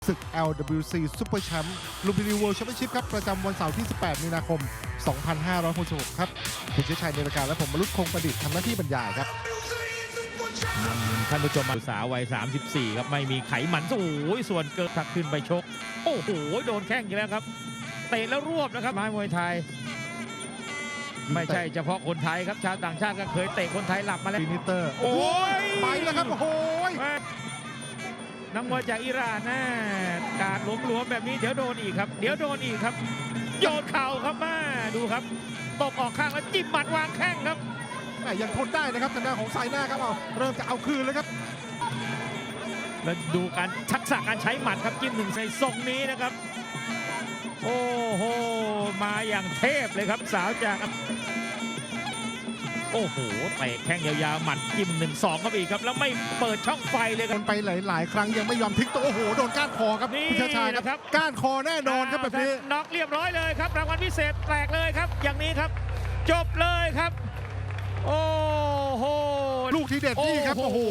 ศึก LWC Super Champ ลุมพินี World Championship ครับประจำวันเสาร์ที่ 18 มีนาคม 2566 ครับคุณเชื้อชัยในรายการและผมมรุตคงประดิษฐ์ทำหน้าที่บรรยายครับท่านผู้ชมสาววัย 34 ครับไม่มีไขมันโอ้ยส่วนเกินทักขึ้นไปชกโอ้โหโดนแข้งอีกแล้วครับเตะแล้วรวบนะครับไม้มวยไทยไม่ใช่เฉพาะคนไทยครับชาวต่างชาติก็เคยเตะคนไทยหลับมาแล้วฟินิเตอร์โอ้ยไปแล้วครับโอ้โหนักมวยจากอิหร่านนะการหลวมๆแบบนี้เดี๋ยวโดนอีกครับเดี๋ยวโดนอีกครับโยนเข่าครับมาดูครับตบออกข้างแล้วจิ้มหมัดวางแข้งครับยังทนได้นะครับทางด้านของไซน่าครับเริ่มจะเอาคืนแล้วครับแล้วดูการทักษะการใช้หมัดครับจิ้มหนึ่งใส่ทรงนี้นะครับโอ้โหมาอย่างเทพเลยครับสาวจากโอ้โหเตะแข้งยาวๆหมัดจิ้ม1-2ครับอีกครับแล้วไม่เปิดช่องไฟเลยครับไปหลายๆครั้งยังไม่ยอมทิ้งตัวโอ้โหโดนก้านคอครับนี่คุณชาชายครับก้านคอแน่นอนครับแบบนี้น็อกเรียบร้อยเลยครับรางวัลพิเศษแตกเลยครับอย่างนี้ครับจบเลยครับโอ้โหลูกที่เด็ดนี่ครับโอ้โห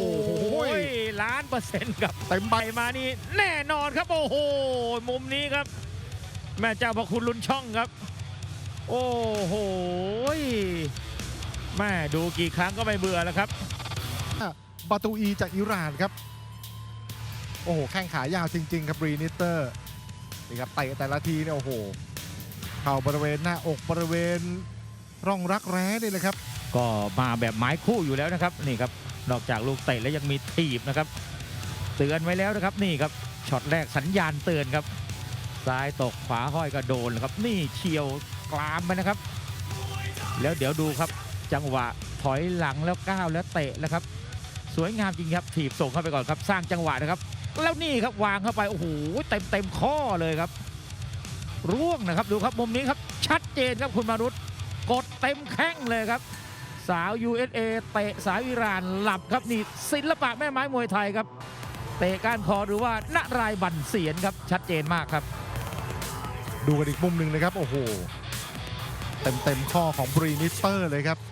1,000,000%ครับเต็มใบมานี่แน่นอนครับโอ้โหมุมนี้ครับแม่เจ้าพระคุณลุ้นช่องครับโอ้โหแม่ดูกี่ครั้งก็ไม่เบื่อแล้วครับบาตูอีจากอิหร่านครับโอ้โหแข้งขายาวจริงๆครับรีนิเตอร์นี่ครับเตะแต่ละทีเนี่ยโอ้โหเข่าบริเวณหน้าอกบริเวณร่องรักแร้นี่เลยครับก็มาแบบไม้คู่อยู่แล้วนะครับนี่ครับนอกจากลูกเตะแล้วยังมีถีบนะครับเตือนไว้แล้วนะครับนี่ครับช็อตแรกสัญญาณเตือนครับซ้ายตกขวาห้อยก็โดนครับนี่เฉียวกรามไปนะครับแล้วเดี๋ยวดูครับจังหวะถอยหลังแล้วก้าวแล้วเตะแล้วครับสวยงามจริงครับถีบส่งเข้าไปก่อนครับสร้างจังหวะนะครับแล้วนี่ครับวางเข้าไปโอ้โหเต็มข้อเลยครับร่วงนะครับดูครับมุมนี้ครับชัดเจนครับคุณมารุตกดเต็มแข้งเลยครับสาว USA เตะสาวอิหร่านหลับครับนี่ศิลปะแม่ไม้มวยไทยครับเตะก้านคอหรือว่านรายบั่นเสียนครับชัดเจนมากครับดูกันอีกมุมหนึ่งนะครับโอ้โหเต็มข้อของบรีนิสเตอร์เลยครับ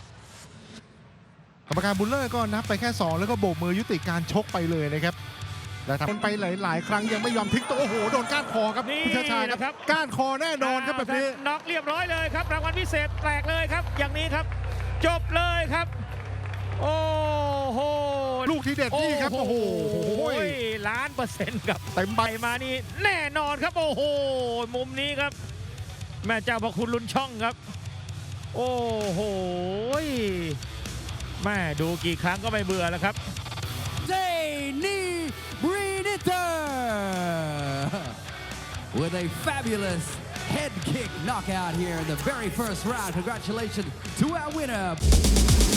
กรรมการบุลเลอร์ก็นับไปแค่2แล้วก็โบกมือยุติการชกไปเลยนะครับแต่ทำไปหลายๆครั้งยังไม่ยอมทิ้งตัวโอ้โหโดนก้านคอครับคุณชาชายครับก้านคอแน่นอนครับแบบนี้น็อกเรียบร้อยเลยครับรางวัลพิเศษแตกเลยครับอย่างนี้ครับจบเลยครับโอ้โหลูกที่เด็ดนี่ครับโอ้โห 1,000,000%ครับเต็มใบมานี่แน่นอนครับโอ้โหมุมนี้ครับแม่เจ้าพระคุณลุ้นช่องครับโอ้โหแม่ดูกี่ครั้งก็ไม่เบื่อแล้วครับ Danny Breeder with a fabulous head kick knockout here in the very first round. Congratulations to our winner.